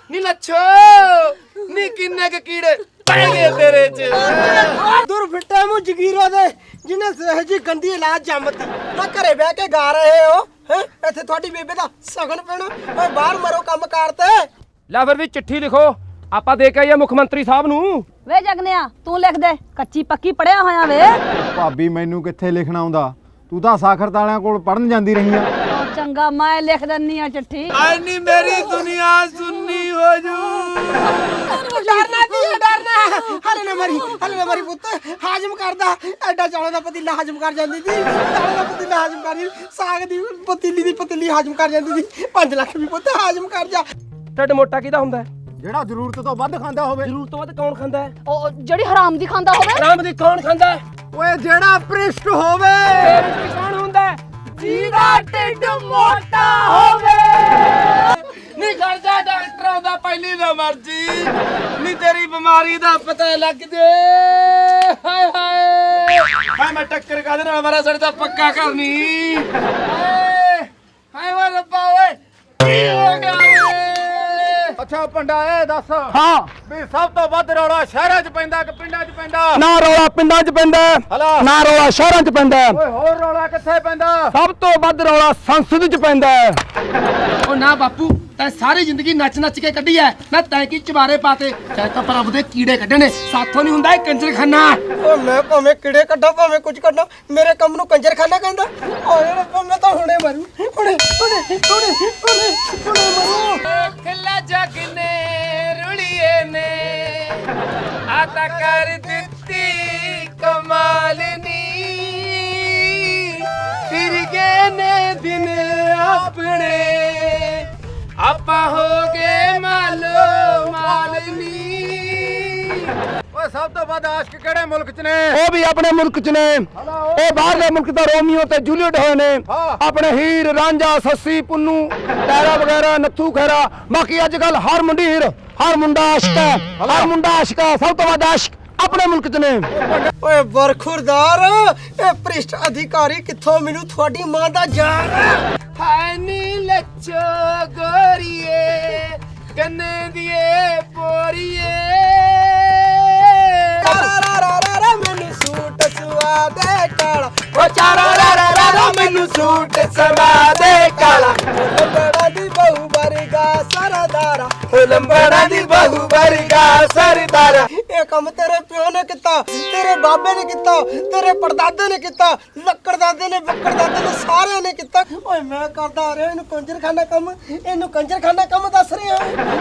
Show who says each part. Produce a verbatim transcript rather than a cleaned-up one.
Speaker 1: ਨੀ ਲੱਛੋ ਨੀ ਕਿੰਨੇ ਕ ਕੀੜੇ ਪੈ ਗਏ ਤੇਰੇ ਚ।
Speaker 2: ਦੁਰ ਫਿੱਟੇ ਮੂੰਹ ਜਗੀਰੋ ਦੇ ਜਿਹਨੇ ਸਹਿ ਜੀ ਗੰਦੀ ਇਲਾਜ ਜੰਮਤੀ ਨਾ ਘਰੇ ਬਹਿ ਕੇ ਗਾ ਰਹੇ ਹੋ ਹੈ। ਇੱਥੇ ਤੁਹਾਡੀ ਬੇਬੇ ਦਾ ਸਗਨ ਪੈਣਾ ਓਏ ਬਾਹਰ ਮਰੋ ਕੰਮ ਕਾਰ ਤੇ।
Speaker 1: ਲੈ ਫਿਰ ਵੀ ਚਿੱਠੀ ਲਿਖੋ ਆਪਾਂ ਦੇ ਕੇ ਆਈਏ ਮੁੱਖ ਮੰਤਰੀ ਸਾਹਿਬ ਨੂੰ।
Speaker 3: ਵੇ ਜਗਨਿਆ ਤੂੰ ਲਿਖ ਦੇ ਕੱਚੀ ਪੱਕੀ ਪੜਿਆ ਹੋਇਆ ਵੇ।
Speaker 4: ਭਾਬੀ ਮੈਨੂੰ ਕਿੱਥੇ ਲਿਖਣਾ ਆਉਂਦਾ, ਤੂੰ ਤਾਂ ਸਾਖਰਤ ਵਾਲਿਆਂ ਕੋਲ ਪੜਨ ਜਾਂਦੀ ਰਹੀ ਆ।
Speaker 3: ਉਹ ਚੰਗਾ ਮੈਂ ਲਿਖ ਦਿੰਨੀ ਆ ਚਿੱਠੀ।
Speaker 1: ਆਈ ਨੀ ਮੇਰੀ ਦੁਨੀਆ ਸੁੰਨੀ ਹੋ ਜੂ।
Speaker 2: ਡਰਨਾ ਕੀ ਹੈ ਡਰਨਾ ਹਲੇ ਨਾ ਮਰੀ ਹਲੇ ਨਾ ਮਰੀ ਪੁੱਤ ਹਾਜ਼ਮ ਕਰਦਾ ਐਡਾ ਚੌਲਾਂ ਦਾ ਪਤੀਲਾ ਹਾਜ਼ਮ ਕਰ ਜਾਂਦੀ ਸੀ। ਚੌਲਾਂ ਦਾ ਪਤੀਲਾ ਹਾਜ਼ਮ ਕਰ ਜਾਂਦੀ ਸਾਗ ਦੀ ਪਤੀਲੀ ਦੀ ਪਤੀਲੀ ਹਾਜ਼ਮ ਕਰ ਜਾਂਦੀ ਸੀ। ਪੰਜ ਲੱਖ ਵੀ ਪੁੱਤ ਹਾਜ਼ਮ ਕਰ ਜਾ।
Speaker 1: ਢਿੱਡ ਮੋਟਾ ਕਿਹਦਾ ਹੁੰਦਾ?
Speaker 4: ਜਿਹੜਾ ਜ਼ਰੂਰਤ ਤੋਂ ਵੱਧ ਖਾਂਦਾ ਹੋਵੇ।
Speaker 1: ਜ਼ਰੂਰਤ ਤੋਂ ਵੱਧ ਕੌਣ ਖਾਂਦਾ ਹੈ?
Speaker 3: ਉਹ ਜਿਹੜੀ ਹਰਾਮ ਦੀ ਖਾਂਦਾ ਹੋਵੇ।
Speaker 1: ਆਰਾਮ ਦੀ ਕੌਣ ਖਾਂਦਾ ਹੈ?
Speaker 4: ਓਏ ਜਿਹੜਾ ਪ੍ਰਿਸ਼ਟ ਹੋਵੇ।
Speaker 1: ਤੇਰੇ ਚ ਕੌਣ ਹੁੰਦਾ ਹੈ? ਜਿਹਦਾ ਢਿੱਡ ਮੋਟਾ ਹੋਵੇ। ਨੀ ਖਰਚਾ ਡਾਕਟਰ ਆਉਂਦਾ ਪਹਿਲੀ ਨਾ ਮਰਜੀ ਨੀ ਤੇਰੀ ਬਿਮਾਰੀ ਦਾ ਪਤਾ ਲੱਗ ਜੇ। ਹਾਏ ਹਾਏ ਹਾਏ ਮੈਂ ਟੱਕਰ ਕਾਦੇ ਨਾਲ ਮਾਰਾ ਸੜ ਤਾਂ ਪੱਕਾ ਕਰਨੀ। ਹਾਏ ਹਾਏ ਵਾ ਰੱਬਾ ਓਏ ਕੀ ਹੋ ਗਿਆ ਓਏ?
Speaker 4: ਅੱਛਾ ਪੰਡਾ ਇਹ ਦੱਸ
Speaker 1: ਹਾਂ
Speaker 4: ਵੀ ਸਭ ਤੋਂ ਵੱਧ ਰੌਲਾ ਸ਼ਹਿਰਾਂ 'ਚ ਪੈਂਦਾ ਕਿ ਪਿੰਡਾਂ 'ਚ ਪੈਂਦਾ?
Speaker 1: ਨਾ ਰੌਲਾ ਪਿੰਡਾਂ 'ਚ ਪੈਂਦਾ
Speaker 4: ਹਲਾ
Speaker 1: ਨਾ ਰੌਲਾ ਸ਼ਹਿਰਾਂ 'ਚ ਪੈਂਦਾ।
Speaker 4: ਓਏ ਹੋਰ ਰੌਲਾ ਕਿੱਥੇ ਪੈਂਦਾ?
Speaker 1: ਸਭ ਤੋਂ ਵੱਧ ਰੌਲਾ ਸੰਸਦ 'ਚ ਪੈਂਦਾ। ਉਹ ਨਾ ਬਾਪੂ ਤੈਂ ਸਾਰੀ ਜ਼ਿੰਦਗੀ ਨੱਚ ਨੱਚ ਕੇ ਕੱਢੀ ਐ ਨਾ ਤੈਂ ਕੀ ਚਵਾਰੇ ਪਾਤੇ ਚਾਹੇ ਤਾਂ ਪ੍ਰਭ ਦੇ ਕੀੜੇ ਕੱਢਣੇ ਸਾਥੋਂ ਨਹੀਂ ਹੁੰਦਾ ਇਹ ਕੰਜਰਖਾਨਾ।
Speaker 2: ਓ ਮੈਂ ਭਾਵੇਂ ਕਿਹੜੇ ਕੱਢਾਂ ਭਾਵੇਂ ਕੁਝ ਕੱਢਾਂ ਮੇਰੇ ਕੰਮ ਨੂੰ ਕੰਜਰਖਾਨਾ ਕਹਿੰਦਾ। ਓਏ ਰੱਬਾ ਮੈਂ ਤਾਂ ਹੁਣੇ ਮਰੂ ਹੁਣੇ ਹੁਣੇ ਹੁਣੇ ਹੁਣੇ ਹੁਣੇ ਮਰੂ।
Speaker 1: ਖੱਲਾ ਜਗ ਨੇ ਰੁਲੀਏ ਨੇ ਆ ਤਾਂ ਕਰ ਦਿੱਤੀ ਕਮਾਲ ਨੀ ਫਿਰ ਗਏ ਨੇ ਦਿਨ ਆਪਣੇ ਆਪਾਂ ਹੋ ਗਏ ਮਾਲੋ ਮਾਲਨੀ।
Speaker 4: ਓਏ ਸਭ ਤੋਂ ਵੱਧ ਆਸ਼ਕ ਕਿਹੜੇ ਮੁਲਕ 'ਚ ਨੇ?
Speaker 1: ਉਹ ਵੀ ਆਪਣੇ ਮੁਲਕ 'ਚ ਨੇ। ਉਹ ਬਾਹਰਲੇ ਮੁਲਕ ਤਾਂ ਰੋਮੀਓ ਤੇ ਜੂਲੀਅਟ ਹੋਏ ਨੇ।
Speaker 4: ਹਾਂ।
Speaker 1: ਆਪਣੇ ਹੀਰ ਰਾਂਝਾ ਸੱਸੀ ਪੁੰਨੂ ਟੈਰਾ ਵਗੈਰਾ ਨੱਥੂ ਖੈਰਾ। ਬਾਕੀ ਅੱਜ ਕੱਲ ਹਰ ਮੁੰਡੀ ਹੀਰ ਹਰ ਮੁੰਡਾ ਆਸ਼ਕ ਹੈ ਹਰ ਮੁੰਡਾ ਆਸ਼ਕ ਹੈ। ਸਭ ਤੋਂ ਵੱਧ ਆਸ਼ਕ ਆਪਣੇ ਮੁਲਕ 'ਚ ਨੇ।
Speaker 2: ਓਏ ਬਰਖੁਰਦਾਰ ਇਹ ਭ੍ਰਿਸ਼ਟ ਅਧਿਕਾਰੀ ਕਿੱਥੋਂ ਮੈਨੂੰ ਤੁਹਾਡੀ ਮਾਂ ਦਾ ਜਾਨ।
Speaker 1: ਹਾਏ ਨੀ ਲੱਚੋ ਗੋਰੀਏ ਕੰਨੇ ਦੀਏ ਪੋਰੀਏ
Speaker 2: ਰਾ ਮੈਨੂੰ ਸੂਟ ਸਵਾ ਦੇ ਕਾਲਾ
Speaker 1: ਓ ਚਾਰਾ ਰਾ ਰਾ ਰਾ ਰਾ ਮੈਨੂੰ ਸੂਟ ਸਵਾ ਦੇ ਕਾਲਾ।
Speaker 2: ਲੰਬੜਾ ਦੀ ਬਹੂ ਵਰਗਾ ਸਰਦਾਰਾ
Speaker 1: ਓ ਲੰਬੜਾ ਦੀ ਬਹੂ ਵਰਗਾ ਸਰਦਾਰਾ।
Speaker 2: ਇਹ ਕੰਮ ਤੇਰੇ ਪਿਓ ਨੇ ਕੀਤਾ ਤੇਰੇ ਬਾਬੇ ਨੇ ਕੀਤਾ ਤੇਰੇ ਪੜਦਾਦੇ ਨੇ ਕੀਤਾ ਲੱਕੜ ਦਾਦੇ ਨੇ ਬੱਕੜ ਦਾਦੇ ਨੇ ਸਾਰਿਆਂ ਨੇ ਕੀਤਾ। ਓਏ ਮੈਂ ਕਰਦਾ ਰਿਹਾ ਇਹਨੂੰ ਕੰਜਰਖਾਨਾ ਕੰਮ ਇਹਨੂੰ ਕੰਜਰਖਾਨਾ ਕੰਮ ਦੱਸ ਰਿਹਾ।